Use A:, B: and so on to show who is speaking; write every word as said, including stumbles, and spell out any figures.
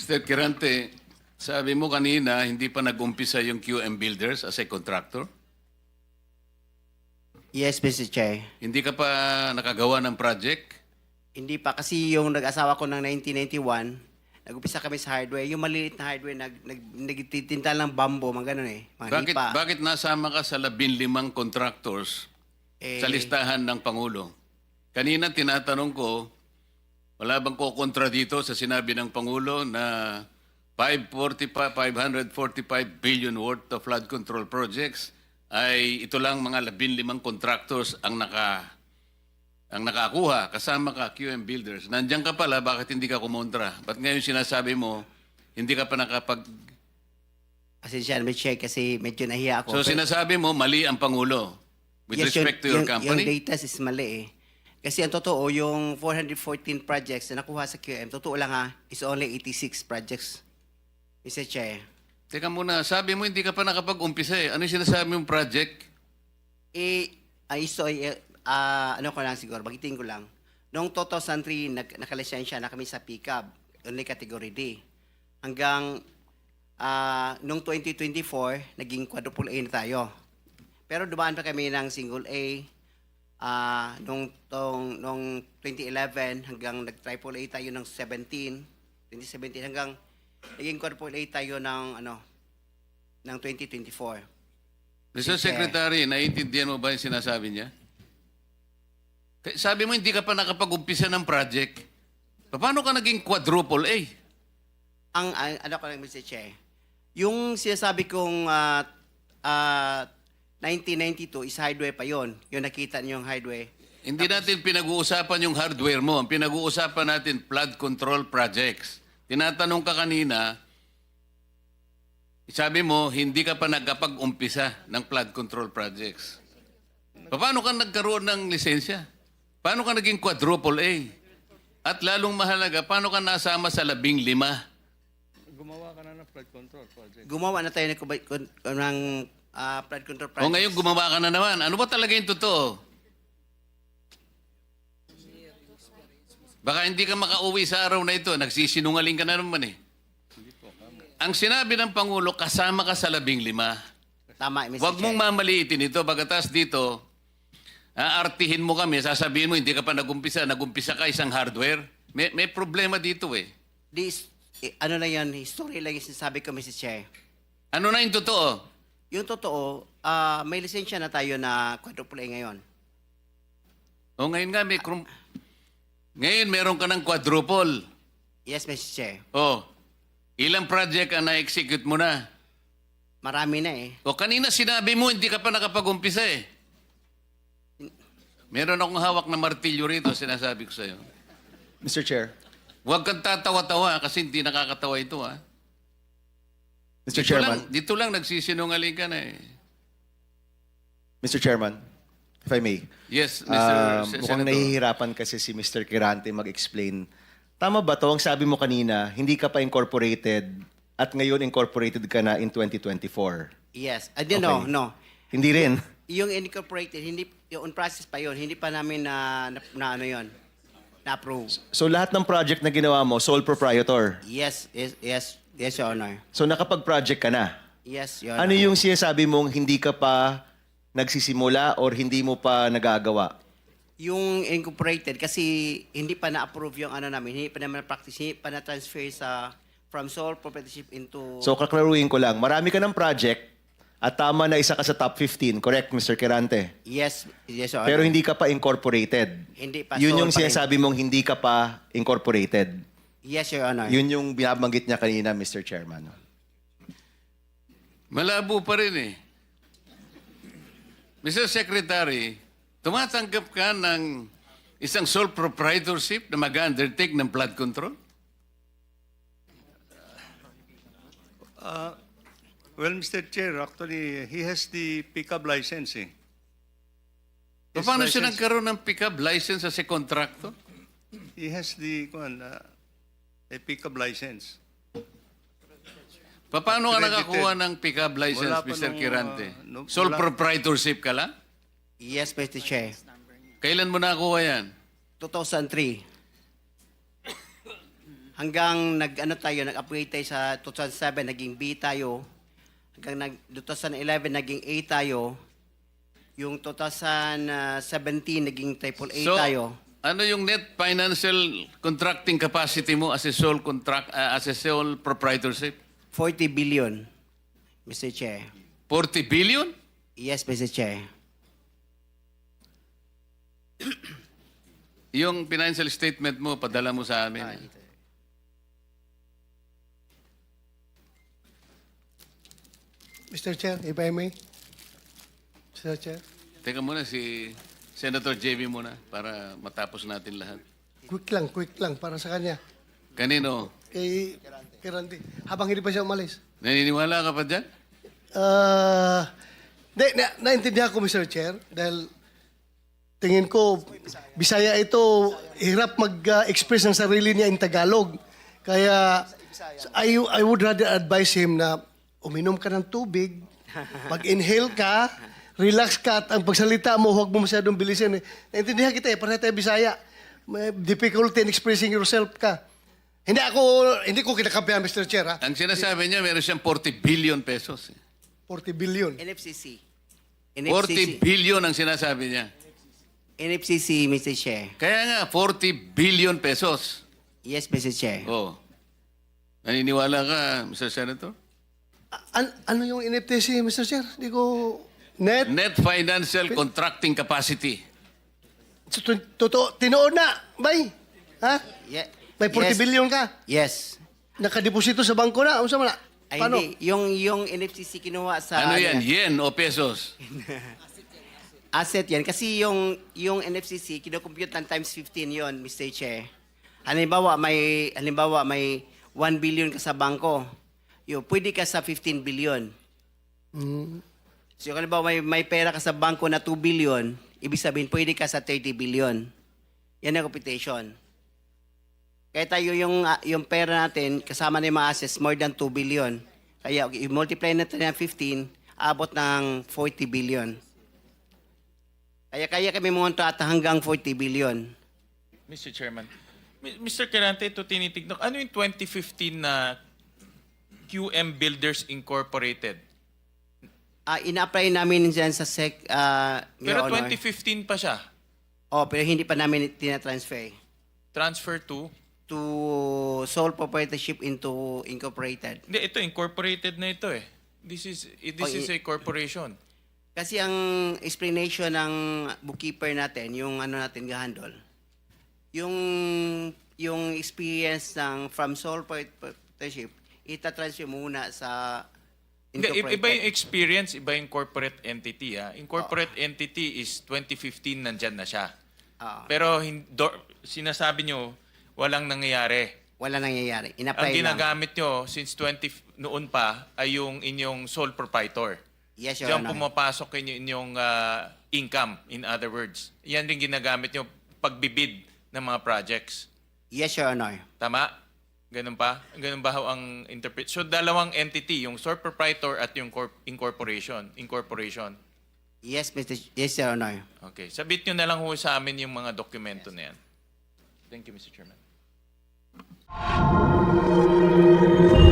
A: mister Kirante, sabi mo kanina, hindi pa nag-umpisa yung Q M Builders as a contractor?
B: Yes, Mister Chair.
A: Hindi ka pa nakagawa ng project?
B: Hindi pa kasi yung nag-asawa ko ng nineteen ninety-one, nag-upisa kami sa hardware. Yung maliliit na hardware, nag, nag, nagtitinta lang bambo, mga ganun eh. Mga
A: Bakit,
B: lipa.
A: bakit nasama ka sa labing limang contractors
B: Eh,
A: sa listahan ng Pangulo? Kanina tinatanong ko, wala bang kukontra dito sa sinabi ng Pangulo na five hundred forty-five billion worth of flood control projects ay ito lang mga labing limang contractors ang naka ang nakakuha, kasama ka, Q M Builders. Nandiyan ka pala, bakit hindi ka kumontra? Ba't ngayon sinasabi mo, hindi ka pa nakapag...
B: Pasensya na, Mister Chair, kasi medyo nahiya ako.
A: So
B: Pero-
A: sinasabi mo, mali ang Pangulo with
B: Yes,
A: respect to
B: yung,
A: your
B: yung,
A: company?
B: Yung data is mali eh. Kasi ang totoo, yung four hundred fourteen projects na nakuha sa Q M, totoo lang ha, is only eighty-six projects. Mister Chair.
A: Teka muna, sabi mo hindi ka pa nakapag-umpisa eh. Ano yung sinasabi mong project?
B: Eh, ay, so, eh, ah, ano ko lang siguro, bagitin ko lang. Noong two thousand three, nag, nakalisensya na kami sa pickup, only category D. Hanggang ah, noong twenty twenty-four, naging quadruple A na tayo. Pero dumaan pa kami ng single A, ah, nung, tong, nung twenty eleven, hanggang nag-triple A tayo ng seventeen, twenty seventeen, hanggang naging quadruple A tayo ng, ano, ng twenty twenty-four.
A: mister
B: Sige.
A: Secretary, naiintindihan mo ba yung sinasabi niya? K- Sabi mo hindi ka pa nakapag-umpisa ng project. Paano ka naging quadruple A?
B: Ang, ang ano ko lang, Mister Che, yung sinasabi kong ah, ah, nineteen ninety-two is hardware pa yon. Yung nakita niyo yung hardware.
A: Hindi natin pinag-uusapan yung hardware mo. Ang pinag-uusapan natin, flood control projects. Tinatanong ka kanina, sabi mo, hindi ka pa nagkapag-umpisa ng flood control projects. Paano ka nagkaroon ng lisensya? Paano ka naging quadruple A? At lalong mahalaga, paano ka nasama sa labing lima?
C: Gumawa ka na ng flood control project.
B: Gumawa na tayo ng, kubay- kun- ng ah, flood control project.
A: O ngayon gumawa ka na naman. Ano ba talaga yung totoo? Baka hindi ka makauwi sa araw na ito. Nagsisinungaling ka na naman eh. Ang sinabi ng Pangulo, kasama ka sa labing lima.
B: Tama, Mister
A: Huwag
B: Che.
A: mong mamaliitin ito. Pagkatas dito, aartihin mo kami, sasabihin mo, hindi ka pa nagumpisa. Nagumpisa ka isang hardware. May, may problema dito eh.
B: This, eh, ano lang yan, history lang yung sinasabi ko, Mister Che.
A: Ano na yung totoo?
B: Yung totoo, ah, may lisensya na tayo na quadruple A ngayon.
A: O ngayon nga, may... krum- Ngayon, meron ka ng quadruple.
B: Yes, Mister Che.
A: O, ilang project ang na-execute mo na?
B: Marami na eh.
A: O kanina sinabi mo, hindi ka pa nakapag-umpisa eh. Meron akong hawak na martilyo rito, sinasabi ko sa'yo.
D: Mister Chair.
A: Huwag kang tatawa-tawa kasi hindi nakakatawa ito ha.
D: Mister
A: Dito lang,
D: Chairman.
A: dito lang nagsisinungaling ka na eh.
D: Mister Chairman, if I may.
A: Yes, Mister
D: Um,
A: Se-
D: mukhang
A: Senator.
D: nahihirapan kasi si Mister Kirante mag-explain. Tama ba to? Ang sabi mo kanina, hindi ka pa incorporated at ngayon incorporated ka na in twenty twenty-four.
B: Yes. Ah, di, no,
D: Okay.
B: no.
D: Hindi rin.
B: Yung incorporated, hindi, yung on process pa yon, hindi pa namin na, na, na ano yon, na-approve.
D: So lahat ng project na ginawa mo, sole proprietor.
B: Yes, yes, yes, yes, Your Honor.
D: So nakapag-project ka na.
B: Yes, Your
D: Ano
B: Honor.
D: yung sinasabi mong hindi ka pa nagsisimula or hindi mo pa nagagawa?
B: Yung incorporated, kasi hindi pa na-approve yung ano namin, hindi pa naman na-practice, hindi pa na-transfer sa, from sole proprietorship into...
D: So kaklaruhin ko lang, marami ka ng project at tama na isa ka sa top fifteen, correct, Mister Kirante?
B: yes, yes, Your Honor.
D: Pero hindi ka pa incorporated.
B: Hindi pa,
D: Yun
B: sole
D: yung
B: pa rin.
D: sinasabi mong hindi ka pa incorporated.
B: Yes, Your Honor.
D: Yun yung binabanggit niya kanina, Mister Chairman.
A: Malabo pa rin eh. Mister Secretary, tumatanggap ka ng isang sole proprietorship na mag-undertake ng flood control?
C: Well, Mister Chair, actually, he has the pickup licensing. His
A: Paano siya
C: license-
A: nagkaroon ng pick-up license as a contractor?
C: He has the kuwan, uh, a pickup license.
A: Paano ka
C: Accredited.
A: nakakuha ng pick-up license,
C: Wala pa
A: Mister
C: nung,
A: Kirante?
C: uh, no-
A: Sole
C: wala.
A: proprietorship ka lang?
B: Yes, Mister Chair.
A: Kailan mo nakakuha yan?
B: two thousand three. hanggang nag-ano tayo, nag-upgrade tayo sa two thousand seven, naging B tayo. Hanggang nag, two thousand eleven, naging A tayo. Yung two thousand seventeen, naging triple A
A: So,
B: tayo.
A: ano yung net financial contracting capacity mo as a sole contract uh, as a sole proprietorship?
B: forty billion, Mister Chair.
A: forty billion?
B: Yes, Mister Chair.
A: Yung financial statement mo, padala mo sa amin.
E: Mister Chair, if I may. Mister Chair,
A: Teka muna, si Senator J B muna para matapos natin lahat.
E: quick lang, quick lang para sa kanya.
A: Kanino?
E: Kay, kay Randy. Habang hindi pa siya umalis.
A: Naniniwala ka pa dyan?
E: Ah, na, na, naintindihan ko, Mister Chair, dahil tingin ko, Bisaya ito, hirap mag-express ng sarili niya in Tagalog. Kaya, I, I would rather advise him na uminom ka ng tubig, mag-inhale ka, relax ka, at ang pagsalita mo, huwag mo masyadong bilisin. Eh. Naintindihan kita eh, para tayo Bisaya. May difficulty in expressing yourself ka. Hindi ako, hindi ko kinakampihan, Mister Chair, ha?
A: Ang sinasabi niya, meron siyang forty billion pesos.
E: forty billion.
B: N F C C.
A: forty billion ang sinasabi niya.
B: N F C C, Mister Chair.
A: Kaya nga, forty billion pesos.
B: Yes, Mister Chair.
A: Oh. Naniniwala ka, Mister Senator?
E: An- ano yung N F T C, Mister Chair? Hindi ko... Net?
A: Net financial contracting capacity.
E: So, tu- Totoo, tinoon na, bay. Ha?
B: Ye-
E: May forty
B: yes.
E: billion ka.
B: Yes.
E: Nakadeposito sa bangko na. Ano sa mga?
B: Ay,
E: Paano?
B: hindi. Yung, yung N F C C kinuha sa...
A: Ano yan? Yen o pesos?
B: Asset yan. Kasi yung, yung N F C C, kinocompute ng times fifteen yon, Mister Chair. Halimbawa, may, halimbawa, may one billion ka sa bangko. Yo, pwede ka sa fifteen billion. So, halimbawa, may, may pera ka sa bangko na two billion, ibig sabihin, pwede ka sa thirty billion. Yan ang computation. Kaya tayo yung, ah, yung pera natin, kasama na yung mga assets, more than two billion. Kaya, okay, i-multiply natin ng fifteen, abot ng forty billion. Kaya kaya kami monto at hanggang forty billion.
F: Mister Chairman, Mi- Mister Kerante, ito tinitignan. Ano yung twenty fifteen na Q M Builders Incorporated?
B: Ah, ina-apply namin dyan sa SEC, ah, Your
F: Pero
B: Honor.
F: twenty fifteen pa siya.
B: Oh, pero hindi pa namin tina-transfer
F: Transfer to?
B: to sole proprietorship into incorporated.
F: Hindi, ito, incorporated na ito eh. This is, eh, this
B: Oh,
F: is
B: i-
F: a corporation.
B: Kasi ang explanation ng bookkeeper natin, yung ano natin gahandol, yung yung experience ng from sole proprietorship, ita-transfer muna sa
F: Hindi, i- iba yung
B: incorporated.
F: experience, iba yung corporate entity. Ha? Incorporate entity is twenty fifteen, nandyan na siya.
B: Ah,
F: Pero hin- do- sinasabi nyo, walang nangyayari.
B: wala nangyayari.
F: Ang
B: Ina-apply lang.
F: ginagamit nyo since twenty f- noon pa ay yung inyong sole proprietor.
B: Yes, Your
F: Diyan
B: Honor.
F: pumapasok inyo inyong ah, income, in other words. Yan rin ginagamit nyo pagbibid ng mga projects.
B: Yes, Your Honor.
F: Tama? Ganun pa? Ganun ba ho ang interpret? So, dalawang entity, yung sole proprietor at yung corp- incorporation. Incorporation.
B: Yes, Mister Yes, Your Honor.
F: Okay. Sabit nyo na lang ho sa amin yung mga dokumento na yan. Thank you, Mister Chairman.